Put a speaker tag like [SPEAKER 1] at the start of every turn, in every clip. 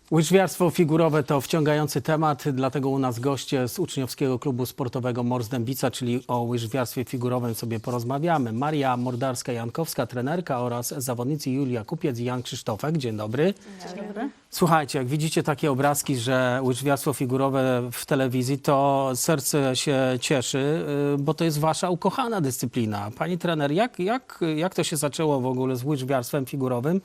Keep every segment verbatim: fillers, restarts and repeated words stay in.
[SPEAKER 1] Łyżwiarstwo figurowe to wciągający temat, dlatego u nas goście z uczniowskiego klubu sportowego Mors Dębica, czyli o łyżwiarstwie figurowym sobie porozmawiamy. Maria Mordarska-Jankowska, trenerka, oraz zawodnicy Julia Kupiec i Jan Krzysztofek. Dzień dobry.
[SPEAKER 2] Dzień dobry.
[SPEAKER 1] Słuchajcie, jak widzicie takie obrazki, że łyżwiarstwo figurowe w telewizji, to serce się cieszy, bo to jest wasza ukochana dyscyplina. Pani trener, jak, jak, jak to się zaczęło w ogóle z łyżwiarstwem figurowym?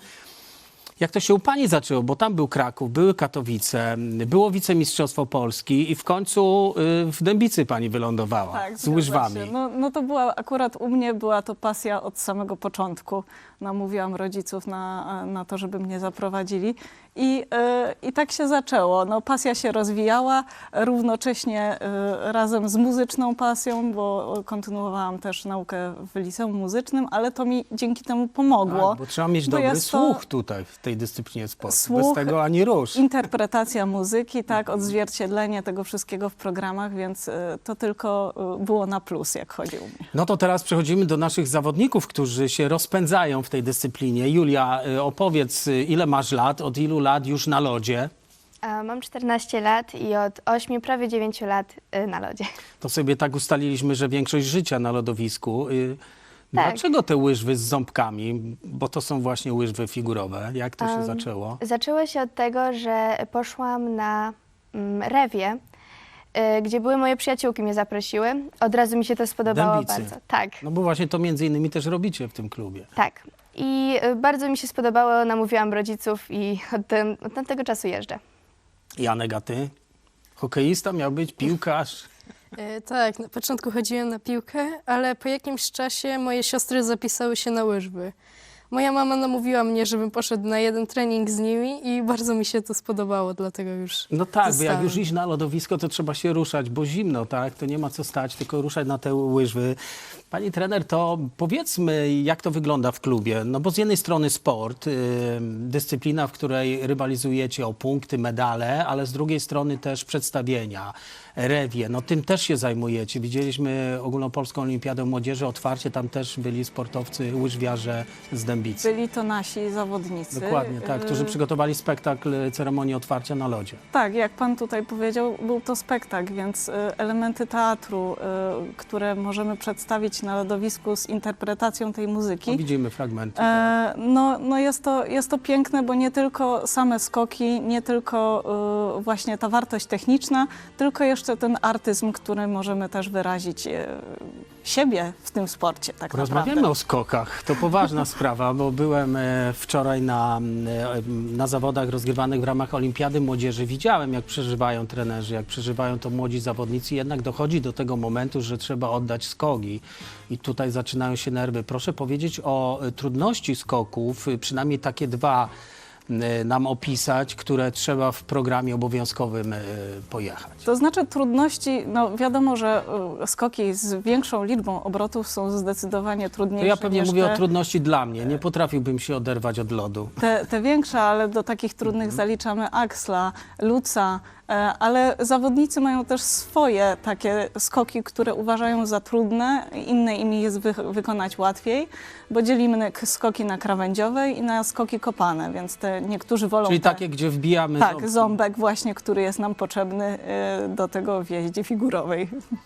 [SPEAKER 1] Jak to się u pani zaczęło? Bo tam był Kraków, były Katowice, było wicemistrzostwo Polski i w końcu y, w Dębicy pani wylądowała
[SPEAKER 2] Tak,
[SPEAKER 1] z łyżwami.
[SPEAKER 2] się. No, no to była, akurat u mnie była to pasja od samego początku. Namówiłam rodziców na, na to, żeby mnie zaprowadzili i, yy, i tak się zaczęło. No, pasja się rozwijała równocześnie yy, razem z muzyczną pasją, bo kontynuowałam też naukę w liceum muzycznym, ale to mi dzięki temu pomogło.
[SPEAKER 1] Tak, bo trzeba mieć
[SPEAKER 2] bo
[SPEAKER 1] dobry
[SPEAKER 2] jest to
[SPEAKER 1] słuch tutaj w tej dyscyplinie sportu.
[SPEAKER 2] słuch,
[SPEAKER 1] Bez tego ani rusz.
[SPEAKER 2] Interpretacja muzyki, tak, odzwierciedlenie tego wszystkiego w programach, więc y, to tylko y, było na plus, jak chodzi u mnie.
[SPEAKER 1] No to teraz przechodzimy do naszych zawodników, którzy się rozpędzają w tej dyscyplinie. Julia, y, opowiedz, y, ile masz lat, od ilu lat już na lodzie?
[SPEAKER 3] A, Mam czternaście lat i od ośmiu, prawie dziewięciu lat y, na lodzie.
[SPEAKER 1] To sobie tak ustaliliśmy, że większość życia na lodowisku. Y,
[SPEAKER 3] Tak.
[SPEAKER 1] Dlaczego te łyżwy z ząbkami? Bo to są właśnie łyżwy figurowe. Jak to się
[SPEAKER 3] Um,
[SPEAKER 1] zaczęło?
[SPEAKER 3] Zaczęło się od tego, że poszłam na mm, rewie, y, gdzie były moje przyjaciółki, mnie zaprosiły. Od razu mi się to spodobało
[SPEAKER 1] Dębicy.
[SPEAKER 3] bardzo. Tak,
[SPEAKER 1] No bo właśnie to między innymi też robicie w tym klubie.
[SPEAKER 3] tak. I y, bardzo mi się spodobało, namówiłam rodziców i od, tym, od tamtego czasu jeżdżę.
[SPEAKER 1] Janek, a ty? Hokeista miał być, piłkarz?
[SPEAKER 4] E, Tak, na początku chodziłem na piłkę, ale po jakimś czasie moje siostry zapisały się na łyżwy. Moja mama namówiła mnie, żebym poszedł na jeden trening z nimi i bardzo mi się to spodobało, dlatego już
[SPEAKER 1] No tak, bo jak
[SPEAKER 4] zostałem.
[SPEAKER 1] już iść na lodowisko, to trzeba się ruszać, bo zimno, tak? To nie ma co stać, tylko ruszać na te łyżwy. Pani trener, to powiedzmy, jak to wygląda w klubie? No bo z jednej strony sport, yy, dyscyplina, w której rywalizujecie o punkty, medale, ale z drugiej strony też przedstawienia, rewie. No tym też się zajmujecie. Widzieliśmy Ogólnopolską Olimpiadę Młodzieży, otwarcie, tam też byli sportowcy, łyżwiarze z Dębicy.
[SPEAKER 2] Byli to nasi zawodnicy.
[SPEAKER 1] Dokładnie, tak, którzy
[SPEAKER 2] Y,
[SPEAKER 1] przygotowali spektakl ceremonii otwarcia na lodzie.
[SPEAKER 2] Tak, jak pan tutaj powiedział, był to spektakl, więc y, elementy teatru, y, które możemy przedstawić na lodowisku z interpretacją tej
[SPEAKER 1] No,
[SPEAKER 2] muzyki,
[SPEAKER 1] widzimy fragmenty.
[SPEAKER 2] E, no, no jest to, jest to piękne, bo nie tylko same skoki, nie tylko y, właśnie ta wartość techniczna, tylko jeszcze ten artyzm, który możemy też wyrazić y, siebie w tym sporcie tak
[SPEAKER 1] Rozmawiamy
[SPEAKER 2] naprawdę.
[SPEAKER 1] o skokach. To poważna sprawa, bo byłem e, wczoraj na, e, na zawodach rozgrywanych w ramach Olimpiady Młodzieży. Widziałem, jak przeżywają trenerzy, jak przeżywają to młodzi zawodnicy. Jednak dochodzi do tego momentu, że trzeba oddać skoki. I tutaj zaczynają się nerwy. Proszę powiedzieć o e, trudności skoków, e, przynajmniej takie dwa e, nam opisać, które trzeba w programie obowiązkowym e, pojechać.
[SPEAKER 2] To znaczy trudności, no wiadomo, że y, skoki z większą liczbą obrotów są zdecydowanie
[SPEAKER 1] To
[SPEAKER 2] trudniejsze
[SPEAKER 1] ja pewnie
[SPEAKER 2] niż
[SPEAKER 1] mówię
[SPEAKER 2] te,
[SPEAKER 1] o trudności dla mnie. Nie potrafiłbym się oderwać od lodu.
[SPEAKER 2] te, te większe, ale do takich trudnych
[SPEAKER 1] Mhm.
[SPEAKER 2] zaliczamy Axla, Luca, e, ale zawodnicy mają też swoje takie skoki, które uważają za trudne, inne im jest wy, wykonać łatwiej, bo dzielimy k- skoki na krawędziowe i na skoki kopane, więc te niektórzy wolą
[SPEAKER 1] Czyli
[SPEAKER 2] te,
[SPEAKER 1] takie, gdzie wbijamy
[SPEAKER 2] tak,
[SPEAKER 1] ząbki.
[SPEAKER 2] ząbek właśnie, który jest nam potrzebny e, do tego w jeździe figurowej.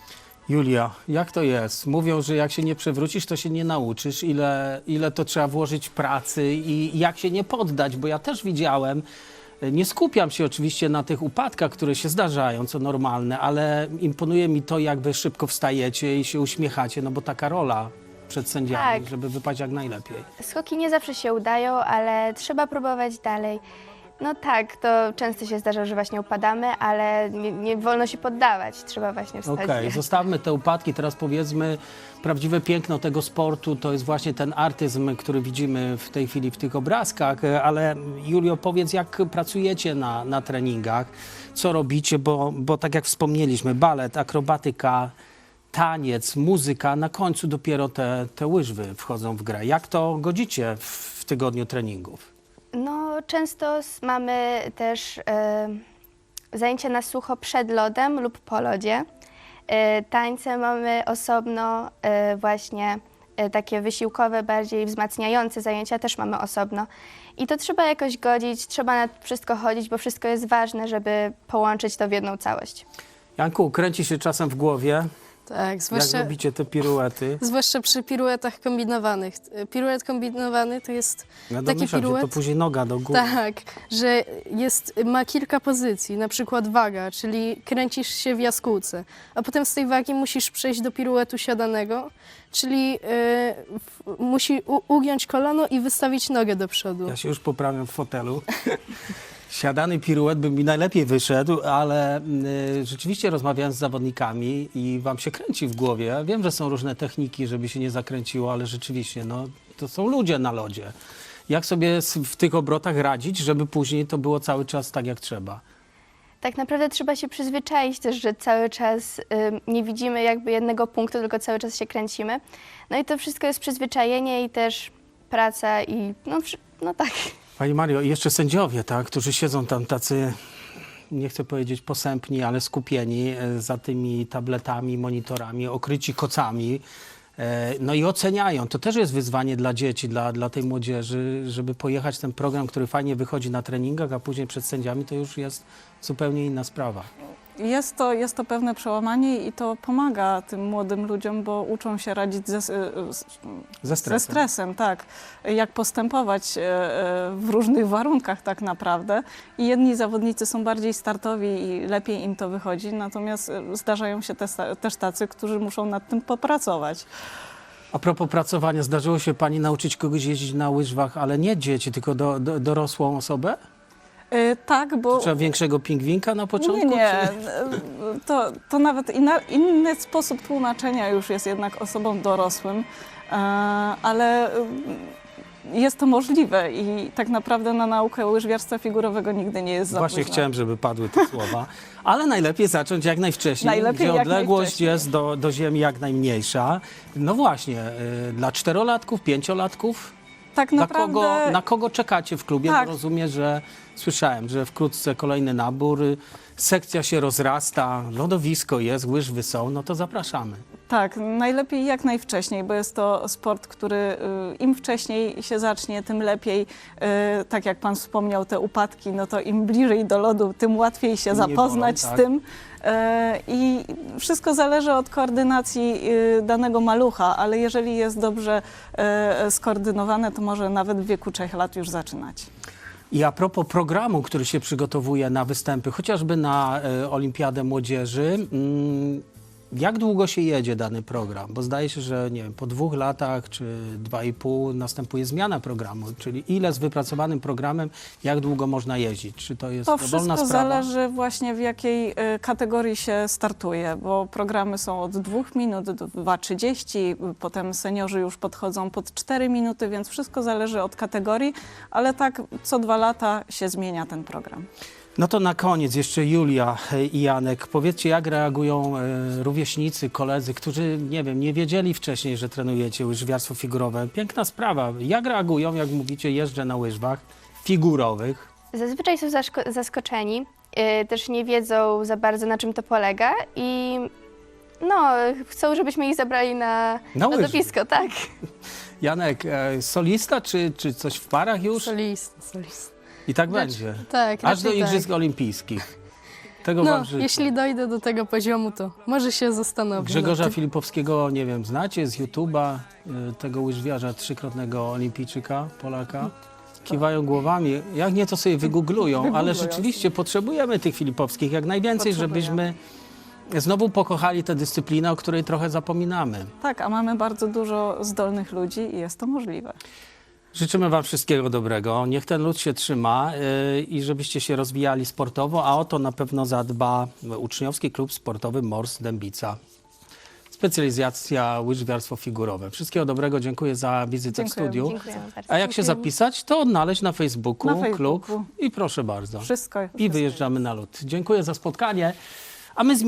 [SPEAKER 1] Julia, jak to jest? Mówią, że jak się nie przewrócisz, to się nie nauczysz. Ile, ile to trzeba włożyć pracy i jak się nie poddać, bo ja też widziałem, nie skupiam się oczywiście na tych upadkach, które się zdarzają, co normalne, ale imponuje mi to, jak wy szybko wstajecie i się uśmiechacie, no bo taka rola przed sędziami,
[SPEAKER 3] Tak.
[SPEAKER 1] żeby wypaść jak najlepiej.
[SPEAKER 3] Skoki nie zawsze się udają, ale trzeba próbować dalej. No tak, to często się zdarza, że właśnie upadamy, ale nie, nie wolno się poddawać, trzeba właśnie wstać.
[SPEAKER 1] Okej, zostawmy te upadki, teraz powiedzmy, prawdziwe piękno tego sportu to jest właśnie ten artyzm, który widzimy w tej chwili w tych obrazkach, ale Julio, powiedz, jak pracujecie na, na treningach, co robicie, bo, bo tak jak wspomnieliśmy, balet, akrobatyka, taniec, muzyka, na końcu dopiero te, te łyżwy wchodzą w grę. Jak to godzicie w, w tygodniu treningów?
[SPEAKER 3] No, często s- mamy też e, zajęcia na sucho przed lodem lub po lodzie. E, tańce mamy osobno, e, właśnie e, takie wysiłkowe, bardziej wzmacniające zajęcia też mamy osobno. I to trzeba jakoś godzić, trzeba na wszystko chodzić, bo wszystko jest ważne, żeby połączyć to w jedną całość.
[SPEAKER 1] Janku, kręci się czasem w głowie,
[SPEAKER 4] Tak,
[SPEAKER 1] jak
[SPEAKER 4] zwłaszcza,
[SPEAKER 1] robicie te piruety.
[SPEAKER 4] zwłaszcza przy piruetach kombinowanych. Piruet kombinowany to jest
[SPEAKER 1] Ja
[SPEAKER 4] taki
[SPEAKER 1] domyślam się, to
[SPEAKER 4] piruet,
[SPEAKER 1] później noga do góry.
[SPEAKER 4] tak, że jest, ma kilka pozycji, na przykład waga, czyli kręcisz się w jaskółce, a potem z tej wagi musisz przejść do piruetu siadanego, czyli y, w, musi u, ugiąć kolano i wystawić nogę do przodu.
[SPEAKER 1] Ja się już poprawiam w fotelu. Siadany piruet by mi najlepiej wyszedł, ale y, rzeczywiście rozmawiając z zawodnikami i wam się kręci w głowie. Ja wiem, że są różne techniki, żeby się nie zakręciło, ale rzeczywiście, no, to są ludzie na lodzie. Jak sobie s- w tych obrotach radzić, żeby później to było cały czas tak, jak trzeba?
[SPEAKER 3] Tak naprawdę trzeba się przyzwyczaić też, że cały czas ym, nie widzimy jakby jednego punktu, tylko cały czas się kręcimy. No i to wszystko jest przyzwyczajenie i też praca i no, wszy- no tak.
[SPEAKER 1] Pani Mario, i jeszcze sędziowie, tak, którzy siedzą tam tacy, nie chcę powiedzieć posępni, ale skupieni e, za tymi tabletami, monitorami, okryci kocami. E, No i oceniają. To też jest wyzwanie dla dzieci, dla, dla tej młodzieży, żeby pojechać ten program, który fajnie wychodzi na treningach, a później przed sędziami to już jest zupełnie inna sprawa.
[SPEAKER 2] Jest to, jest to pewne przełamanie i to pomaga tym młodym ludziom, bo uczą się radzić ze, z,
[SPEAKER 1] Ze
[SPEAKER 2] ze
[SPEAKER 1] stresem.
[SPEAKER 2] stresem, tak. Jak postępować e, e, w różnych warunkach tak naprawdę. I jedni zawodnicy są bardziej startowi i lepiej im to wychodzi, natomiast e, zdarzają się te, też tacy, którzy muszą nad tym popracować.
[SPEAKER 1] A propos pracowania, zdarzyło się pani nauczyć kogoś jeździć na łyżwach, ale nie dzieci, tylko do, do, dorosłą osobę?
[SPEAKER 2] E, tak, bo...
[SPEAKER 1] Trzeba większego pingwinka na początku?
[SPEAKER 2] Nie, nie.
[SPEAKER 1] Czy...
[SPEAKER 2] To, to nawet inna, inny sposób tłumaczenia już jest jednak osobom dorosłym, e, ale e, jest to możliwe i tak naprawdę na naukę łyżwiarstwa figurowego nigdy nie jest za
[SPEAKER 1] Właśnie
[SPEAKER 2] późno.
[SPEAKER 1] chciałem, żeby padły te słowa, ale najlepiej zacząć jak najwcześniej,
[SPEAKER 2] Najlepiej
[SPEAKER 1] gdzie
[SPEAKER 2] jak
[SPEAKER 1] odległość
[SPEAKER 2] najwcześniej.
[SPEAKER 1] jest do, do ziemi jak najmniejsza. No właśnie, y, dla czterolatków, pięciolatków,
[SPEAKER 2] Tak
[SPEAKER 1] na
[SPEAKER 2] naprawdę
[SPEAKER 1] kogo, na kogo czekacie w klubie?
[SPEAKER 2] Tak.
[SPEAKER 1] Bo rozumiem, że słyszałem, że wkrótce kolejny nabór, y, sekcja się rozrasta, lodowisko jest, łyżwy są, no to zapraszamy.
[SPEAKER 2] tak, najlepiej jak najwcześniej, bo jest to sport, który y, im wcześniej się zacznie, tym lepiej. Y, tak jak pan wspomniał, te upadki, no to im bliżej do lodu, tym łatwiej się
[SPEAKER 1] Nie
[SPEAKER 2] zapoznać
[SPEAKER 1] bolą, tak.
[SPEAKER 2] z tym. Y, I wszystko zależy od koordynacji y, danego malucha, ale jeżeli jest dobrze y, skoordynowane, to może nawet w wieku trzech lat już zaczynać.
[SPEAKER 1] I a propos programu, który się przygotowuje na występy, chociażby na e, Olimpiadę Młodzieży, mm, jak długo się jedzie dany program? Bo zdaje się, że nie wiem, po dwóch latach czy dwa i pół następuje zmiana programu, czyli ile z wypracowanym programem, jak długo można jeździć? Czy to jest
[SPEAKER 2] To
[SPEAKER 1] dowolna
[SPEAKER 2] wszystko
[SPEAKER 1] sprawa?
[SPEAKER 2] zależy właśnie w jakiej y, kategorii się startuje, bo programy są od dwóch minut do dwa trzydzieści, potem seniorzy już podchodzą pod cztery minuty, więc wszystko zależy od kategorii, ale tak co dwa lata się zmienia ten program.
[SPEAKER 1] No to na koniec jeszcze Julia i Janek. Powiedzcie, jak reagują e, rówieśnicy, koledzy, którzy, nie wiem, nie wiedzieli wcześniej, że trenujecie łyżwiarstwo figurowe. Piękna sprawa. Jak reagują, jak mówicie, jeżdżę na łyżwach figurowych?
[SPEAKER 3] Zazwyczaj są zaszko- zaskoczeni, y, też nie wiedzą za bardzo, na czym to polega i no, chcą, żebyśmy ich zabrali na
[SPEAKER 1] Na łyżwy.
[SPEAKER 3] lodowisko, tak?
[SPEAKER 1] Janek, e, solista czy, czy coś w parach już?
[SPEAKER 4] Solista, solista.
[SPEAKER 1] I tak
[SPEAKER 4] Znaczy,
[SPEAKER 1] będzie.
[SPEAKER 4] Tak,
[SPEAKER 1] Aż do
[SPEAKER 4] raczej
[SPEAKER 1] Igrzysk
[SPEAKER 4] tak.
[SPEAKER 1] Olimpijskich. Tego
[SPEAKER 4] No,
[SPEAKER 1] wam życzę.
[SPEAKER 4] jeśli dojdę do tego poziomu, to może się zastanowię.
[SPEAKER 1] Grzegorza
[SPEAKER 4] nad tym.
[SPEAKER 1] Filipowskiego, nie wiem, znacie z YouTube'a, y, tego łyżwiarza, trzykrotnego olimpijczyka, Polaka? Kiwają głowami. Jak nie, to sobie wygooglują, ale
[SPEAKER 2] Wygooglują
[SPEAKER 1] rzeczywiście potrzebujemy tych Filipowskich jak najwięcej,
[SPEAKER 2] Potrzebujemy.
[SPEAKER 1] żebyśmy znowu pokochali tę dyscyplinę, o której trochę zapominamy.
[SPEAKER 2] Tak, a mamy bardzo dużo zdolnych ludzi i jest to możliwe.
[SPEAKER 1] Życzymy wam wszystkiego dobrego. Niech ten lud się trzyma yy, i żebyście się rozwijali sportowo, a o to na pewno zadba Uczniowski Klub Sportowy Mors Dębica. Specjalizacja łyżwiarstwo figurowe. Wszystkiego dobrego, dziękuję za wizytę w
[SPEAKER 2] Dziękuję.
[SPEAKER 1] studiu.
[SPEAKER 3] Dziękujemy bardzo.
[SPEAKER 1] A jak się zapisać, to odnaleźć na Facebooku,
[SPEAKER 2] Na Facebooku.
[SPEAKER 1] klub i proszę bardzo.
[SPEAKER 2] Wszystko.
[SPEAKER 1] I wyjeżdżamy na lód. Dziękuję za spotkanie. A my